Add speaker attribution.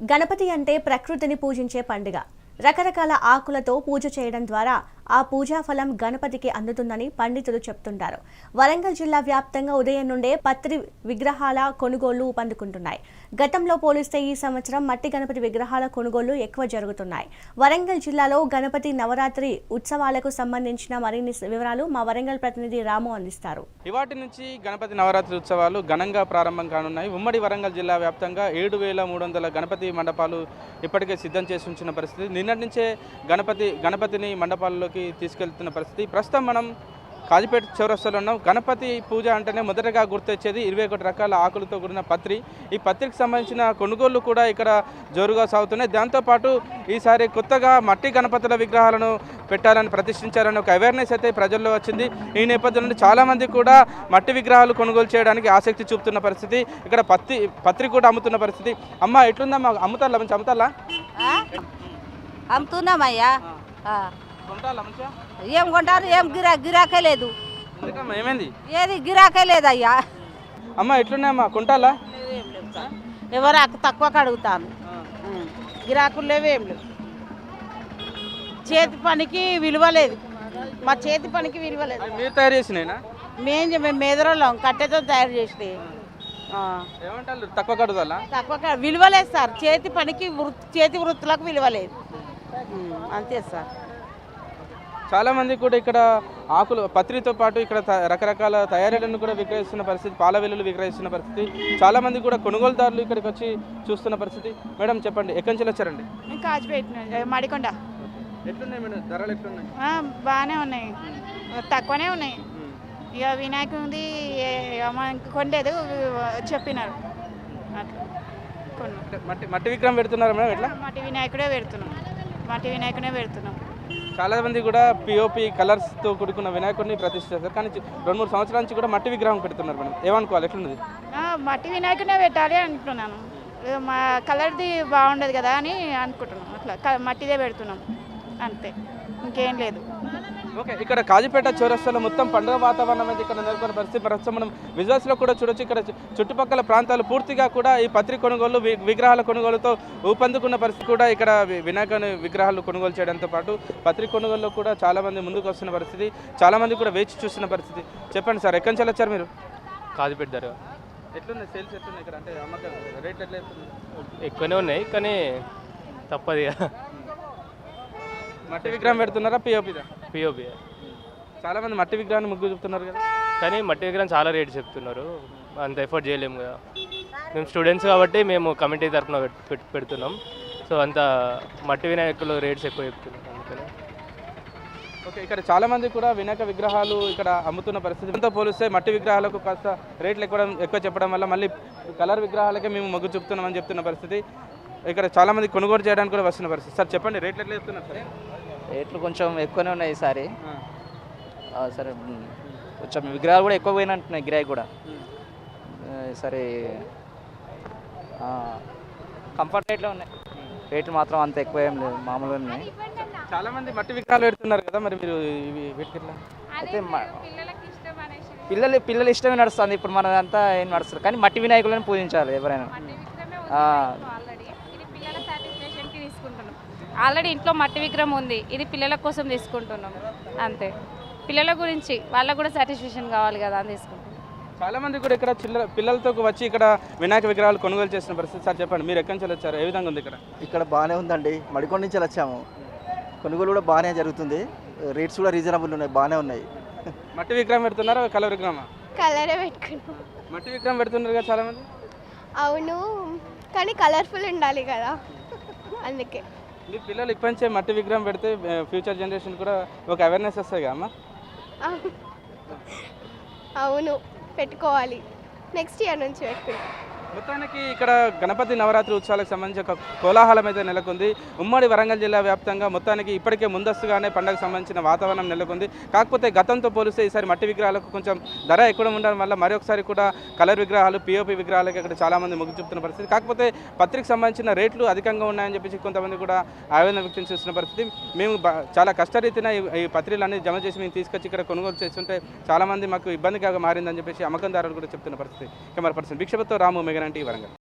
Speaker 1: గణపతి అంటే ప్రకృతిని పూజించే పండుగ. రకరకాల ఆకులతో పూజ చేయడం ద్వారా ఆ పూజా ఫలం గణపతికి అందుతుందని పండితులు చెప్తుంటారు. వరంగల్ జిల్లా వ్యాప్తంగా ఉదయం నుండే పత్రి విగ్రహాల కొనుగోళ్లు ఊపందుకుంటున్నాయి. గతంలో పోలిస్తే ఈ సంవత్సరం మట్టి గణపతి విగ్రహాల కొనుగోళ్లు ఎక్కువ జరుగుతున్నాయి. వరంగల్ జిల్లాలో గణపతి నవరాత్రి ఉత్సవాలకు సంబంధించిన మరిన్ని వివరాలు మా వరంగల్ ప్రతినిధి రాము అందిస్తారు.
Speaker 2: ఇవాటి నుంచి గణపతి నవరాత్రి ఉత్సవాలు ఘనంగా ప్రారంభం కానున్నాయి. ఉమ్మడి వరంగల్ జిల్లా వ్యాప్తంగా 7,300 గణపతి మండపాలు ఇప్పటికే సిద్ధం చేసి ఉంచిన పరిస్థితి. నిన్నటి నుంచే గణపతిని మండపాల్లోకి తీసుకెళ్తున్న పరిస్థితి. ప్రస్తుతం మనం కాజీపేట చౌరస్తాలో ఉన్నాం. గణపతి పూజ అంటేనే మొదటగా గుర్తొచ్చేది 21 రకాల ఆకులతో కూడిన పత్రి. ఈ పత్రికి సంబంధించిన కొనుగోళ్లు కూడా ఇక్కడ జోరుగా సాగుతున్నాయి. దాంతోపాటు ఈసారి కొత్తగా మట్టి గణపతుల విగ్రహాలను పెట్టాలని ప్రతిష్ఠించాలని ఒక అవేర్నెస్ అయితే ప్రజల్లో వచ్చింది. ఈ నేపథ్యంలో చాలామంది కూడా మట్టి విగ్రహాలు కొనుగోలు చేయడానికి ఆసక్తి చూపుతున్న పరిస్థితి. ఇక్కడ పత్రి కూడా అమ్ముతున్న పరిస్థితి. అమ్మ ఎట్లుందమ్మా, అమ్ముతారా? మంచి అమ్ముతారా?
Speaker 3: అమ్ముతున్నామయ్యా. ఏం కొంటారు? ఏం గిరాకే లేదు.
Speaker 2: ఏమైంది?
Speaker 3: ఏది గిరాకే లేదయ్యా.
Speaker 2: అమ్మ ఎట్లున్నాయమ్మా, కొంటాలా?
Speaker 3: ఎవరు తక్కువ కడుగుతాను. గిరాకులు లేవు, ఏం లేవు. చేతి పనికి విలువ లేదు. మా చేతి పనికి విలువ లేదు.
Speaker 2: మీరు తయారు చేసినా?
Speaker 3: మేము మేదరోళ్ళం కట్టెతో తయారు చేసి.
Speaker 2: ఏమంటారు, తక్కువ కడుగుదల?
Speaker 3: తక్కువ విలువ లేదు సార్. చేతి పనికి చేతి వృత్తులకు విలువ లేదు. అంతే సార్.
Speaker 2: చాలా మంది కూడా ఇక్కడ ఆకులు పత్రితో పాటు ఇక్కడ రకరకాల తయారీలను కూడా విక్రయిస్తున్న పరిస్థితి, పాల వెల్లులు విక్రయిస్తున్న పరిస్థితి. చాలా మంది కూడా కొనుగోలుదారులు ఇక్కడికి వచ్చి చూస్తున్న పరిస్థితి. మేడం చెప్పండి, ఎక్కడి నుంచి వచ్చారండి?
Speaker 4: కాజీపేట మడికొండ.
Speaker 2: ఎట్లున్నాయి మేడం, ధరలు ఎట్లున్నాయి?
Speaker 4: బాగానే ఉన్నాయి, తక్కువనే ఉన్నాయి. ఇక వినాయకుడి కొండేది చెప్పినారు
Speaker 2: అట్లా మట్టి విగ్రహం పెడుతున్నారు మేడం? ఎట్లా?
Speaker 4: మట్టి వినాయకుడే పెడుతున్నాం.
Speaker 2: చాలా మంది కూడా పిఓపి కలర్స్తో కూడుకున్న వినాయకుడిని ప్రతిష్ఠిస్తారు, కానీ 2-3 సంవత్సరాల నుంచి కూడా మట్టి విగ్రహం పెడుతున్నారు మేడం. ఏమనుకోవాలి, ఎట్లున్నది?
Speaker 4: మట్టి వినాయకుడే పెట్టాలి అనుకుంటున్నాను. మా కలర్ది బాగుండదు కదా అని అనుకుంటున్నాం. అట్లా మట్టిదే పెడుతున్నాం, అంతే, ఇంకేం లేదు.
Speaker 2: ఓకే, ఇక్కడ కాజీపేట చౌరస్తాలో మొత్తం పండుగ వాతావరణం అయితే ఇక్కడ నెలకొన్న పరిస్థితి. ప్రస్తుతం మనం విజువల్స్లో కూడా చూడొచ్చు. ఇక్కడ చుట్టుపక్కల ప్రాంతాలు పూర్తిగా కూడా ఈ పత్రి కొనుగోలు, విగ్రహాల కొనుగోలుతో ఊపందుకున్న పరిస్థితి. కూడా ఇక్కడ వినాయకుని విగ్రహాలు కొనుగోలు చేయడంతో పాటు పత్రి కొనుగోలులో కూడా చాలామంది ముందుకు వస్తున్న పరిస్థితి. చాలామంది కూడా వేచి చూస్తున్న పరిస్థితి. చెప్పండి సార్, ఎక్కడి నుంచి వచ్చారు మీరు?
Speaker 5: కాజీపేట ధర
Speaker 2: ఎట్లున్నాయి సేల్స్, ఎట్లున్నాయి ఇక్కడ? అంటే అమ్మకం రేట్లు ఎట్లా
Speaker 5: ఎక్కువనే ఉన్నాయి, కానీ తప్పదు.
Speaker 2: మట్టి విగ్రహం పెడుతున్నారా పిఓపిదా?
Speaker 5: పిఓపి.
Speaker 2: చాలా మంది మట్టి విగ్రహాన్ని ముగ్గు చూపుతున్నారు కదా,
Speaker 5: కానీ మట్టి విగ్రహం చాలా రేటు చెప్తున్నారు. అంత ఎఫర్ట్ చేయలేము కదా. మేము స్టూడెంట్స్ కాబట్టి మేము కమిటీ తరఫున పెడుతున్నాం. సో అంత మట్టి వినాయకులు రేట్స్ ఎక్కువ చెప్తున్నారు, అందుకని.
Speaker 2: ఓకే, ఇక్కడ చాలామంది కూడా వినాయక విగ్రహాలు ఇక్కడ అమ్ముతున్న పరిస్థితి. ఎంతో పోలిస్తే మట్టి విగ్రహాలకు కాస్త రేట్లు ఎక్కువ చెప్పడం వల్ల మళ్ళీ కలర్ విగ్రహాలకే మేము మొగ్గు చూపుతున్నామని చెప్తున్న పరిస్థితి. ఇక్కడ చాలామంది కొనుగోలు చేయడానికి కూడా వస్తున్న పరిస్థితి. సార్ చెప్పండి, రేట్లు ఎట్లా చెప్తున్నారు సార్?
Speaker 6: రేట్లు కొంచెం ఎక్కువనే ఉన్నాయి ఈసారి. సరే, కొంచెం విగ్రహాలు కూడా ఎక్కువ పోయినట్టున్నాయి, గిరాయి కూడా. సరే, కంఫర్ట్ రేట్లో ఉన్నాయి. రేట్లు మాత్రం అంత ఎక్కువ ఏం లేదు, మామూలుగా ఉన్నాయి.
Speaker 2: చాలా మంది మట్టి విగ్రహాలు పెడుతున్నారు కదా, మరి మీరు వీటికి
Speaker 6: అయితే పిల్లలు ఇష్టమే నడుస్తుంది. ఇప్పుడు మనదంతా ఏం నడుస్తుంది, కానీ మట్టి వినాయకులను పూజించాలి ఎవరైనా.
Speaker 7: ఆల్రెడీ ఇంట్లో మట్టి విగ్రహం ఉంది, ఇది పిల్లల కోసం తీసుకుంటున్నాం, అంతే. పిల్లల గురించి వాళ్ళకు కూడా సాటిస్ఫాక్షన్ కావాలి కదా అని తీసుకుంటాం.
Speaker 2: చాలా మంది కూడా ఇక్కడ పిల్లలతో వచ్చి ఇక్కడ వినాయక విగ్రహాలు కొనుగోలు చేసిన పరిస్థితి. సార్ చెప్పండి, మీరు ఎక్కడి నుంచి వచ్చారు, ఏ విధంగా ఉంది ఇక్కడ?
Speaker 8: ఇక్కడ బాగానే ఉందండి, మడికొండ నుంచి వచ్చాము. కొనుగోలు కూడా బాగానే జరుగుతుంది, రేట్స్ కూడా రీజనబుల్ ఉన్నాయి, బాగానే ఉన్నాయి.
Speaker 2: మట్టి విగ్రహం పెడుతున్నారా, కలర్ విగ్రహమా?
Speaker 9: కలరే పెట్టుకున్నాం.
Speaker 2: మట్టి విగ్రహం పెడుతున్నారు కదా చాలా మంది.
Speaker 9: అవును, కానీ కలర్ఫుల్ ఉండాలి కదా, అందుకే.
Speaker 2: మీ పిల్లలు ఇప్పటి నుంచే మట్టి విగ్రహం పెడితే ఫ్యూచర్ జనరేషన్ కూడా ఒక అవేర్నెస్ వస్తాయి కదా అమ్మ?
Speaker 9: అవును, పెట్టుకోవాలి. నెక్స్ట్ ఇయర్ నుంచి పెట్టుకుంటాం.
Speaker 2: మొత్తానికి ఇక్కడ గణపతి నవరాత్రి ఉత్సవాలకు సంబంధించి ఒక కోలాహలం అయితే నెలకొంది. ఉమ్మడి వరంగల్ జిల్లా వ్యాప్తంగా మొత్తానికి ఇప్పటికే ముందస్తుగానే పండుగకు సంబంధించిన వాతావరణం నెలకొంది. కాకపోతే గతంతో పోలిస్తే ఈసారి మట్టి విగ్రహాలకు కొంచెం ధర ఎక్కువ ఉండడం వల్ల మరొకసారి కూడా కలర్ విగ్రహాలు, పిఓపి విగ్రహాలకు ఇక్కడ చాలామంది మొగ్గు చూపుతున్న పరిస్థితి. కాకపోతే పత్రికి సంబంధించిన రేట్లు అధికంగా ఉన్నాయని చెప్పేసి కొంతమంది కూడా ఆవేదన వ్యక్తం చేస్తున్న పరిస్థితి. మేము చాలా కష్టరీతిన ఈ పత్రికలన్నీ జమ చేసి మేము తీసుకొచ్చి ఇక్కడ కొనుగోలు చేస్తుంటే చాలామంది మాకు ఇబ్బందిగా మారిందని చెప్పేసి అమ్మకందారులు కూడా చెప్తున్న పరిస్థితి. కెమెరా పర్సన్ భిక్షపతితో రాము, మెగానంటి, వరంగల్.